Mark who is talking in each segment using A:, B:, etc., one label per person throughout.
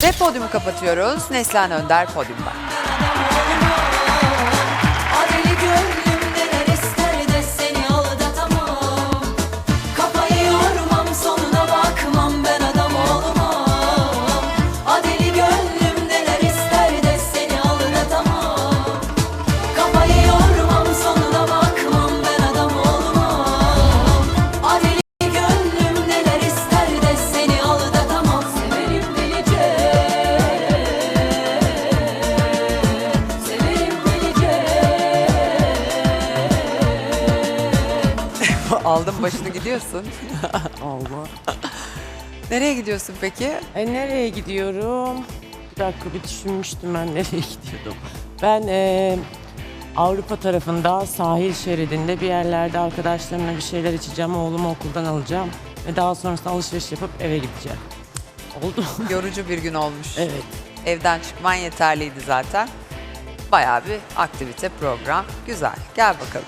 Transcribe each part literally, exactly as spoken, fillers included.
A: Ve podyumu kapatıyoruz. Neslihan Önder podyumda.
B: Adeli gönlüm neler ister de seni aldatamam. Kafayı yormam, sonuna bakmam, ben adam olmam. Adeli gönlüm neler ister de seni aldatamam. Kafayı yormam, sonuna bakmam, ben adam olmam. Adeli gönlüm neler ister de seni aldatamam. Severim delice, severim delice.
A: Aldın başını gidiyorsun.
C: Allah.
A: Nereye gidiyorsun peki?
C: E nereye gidiyorum? Bir dakika bir düşünmüştüm ben nereye gidiyordum. Ben e, Avrupa tarafında sahil şeridinde bir yerlerde arkadaşlarımla bir şeyler içeceğim. Oğlumu okuldan alacağım. Ve daha sonrasında alışveriş yapıp eve gideceğim. Oldu mu?
A: Yorucu bir gün olmuş.
C: Evet.
A: Evden çıkman yeterliydi zaten. Bayağı bir aktivite, program. Güzel. Gel bakalım.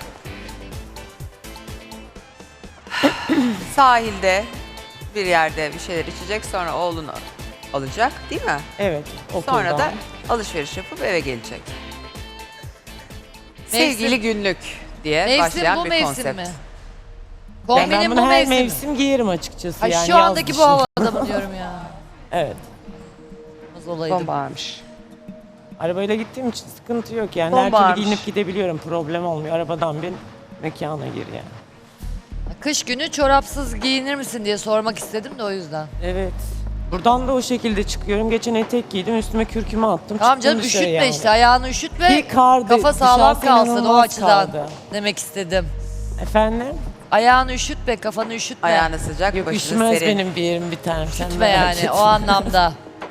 A: Sahilde bir yerde bir şeyler içecek, sonra oğlunu alacak, değil mi?
C: Evet. Okuldan.
A: Sonra da alışveriş yapıp eve gelecek.
D: Mevsim-
A: Sevgili günlük diye
D: Mevsim
A: başlayan
D: bu
A: bir
D: mevsim
A: konsept.
D: mi?
C: Ben, ben
D: Kombinin
C: bunu
D: bu
C: her
D: mevsim. mi?
C: mevsim giyerim açıkçası.
D: Ay
C: yani
D: şu
C: yaz
D: andaki bu
C: dışında.
D: havada mı diyorum ya?
C: Evet.
D: Az olaydım.
A: Bombaymış.
C: Arabayla gittiğim için sıkıntı yok yani. Her
A: Bombarmış.
C: türlü giyinip gidebiliyorum. Problem olmuyor. Arabadan bin, mekana gir yani.
D: Kış günü çorapsız giyinir misin diye sormak istedim de o yüzden.
C: Evet. Buradan da o şekilde çıkıyorum. Geçen etek giydim, üstüme kürkümü attım.
D: Tamam
C: çıktım
D: canım
C: dışarı
D: üşütme
C: yani.
D: işte, ayağını üşütme.
C: Bir kardı,
D: Kafa sağlam
C: dışarısı
D: kalsın o
C: inanılmaz
D: açıdan
C: kaldı.
D: demek istedim.
C: Efendim?
D: Ayağını üşütme, kafanı üşütme.
A: Ayağına sıcak,
C: Yok
A: başını
C: üşümez
A: serin.
C: benim bir yerim bir tanem. Sen
D: Üşütme
C: merak
D: yani
C: etme.
D: o anlamda.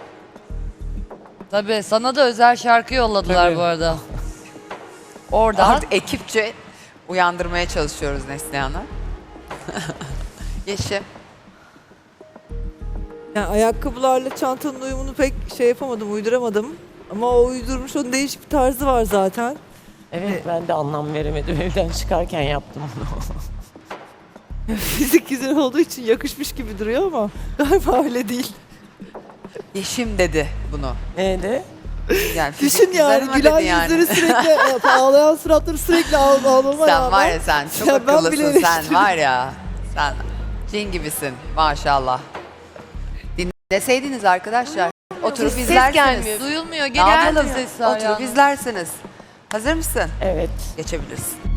D: Tabii sana da özel şarkı yolladılar
C: Tabii.
D: bu arada. Oradan
A: Artık ekipçe uyandırmaya çalışıyoruz Neslihan'ı. Yeşim.
E: Yani ayakkabılarla çantanın uyumunu pek şey yapamadım, uyduramadım. Ama o uydurmuş, onun değişik bir tarzı var zaten.
C: Evet ben de anlam veremedim. Evden çıkarken yaptım onu.
E: Fizik güzel olduğu için yakışmış gibi duruyor ama galiba öyle değil.
A: Yeşim dedi bunu.
C: Neydi?
A: Yani fizik
E: Düşün
A: güzel
E: yani
A: ama
E: gülen
A: dedi yani.
E: yüzleri sürekli, ağlayan suratları sürekli ağ- ağlama
A: Sen
E: rağmen-
A: var ya sen çok
E: Ya ben bile
A: akıllısın sen
E: eleştiriyorum.
A: var ya. Sen cin gibisin maşallah. Dinleseydiniz arkadaşlar. Oturup
D: ses
A: izlersiniz.
D: gelmiyor. Duyulmuyor.
A: Ne
D: Geldi
A: yapalım?
D: sesi
A: Oturup
D: ayağına.
A: izlersiniz. Hazır mısın?
C: Evet.
A: Geçebilirsin.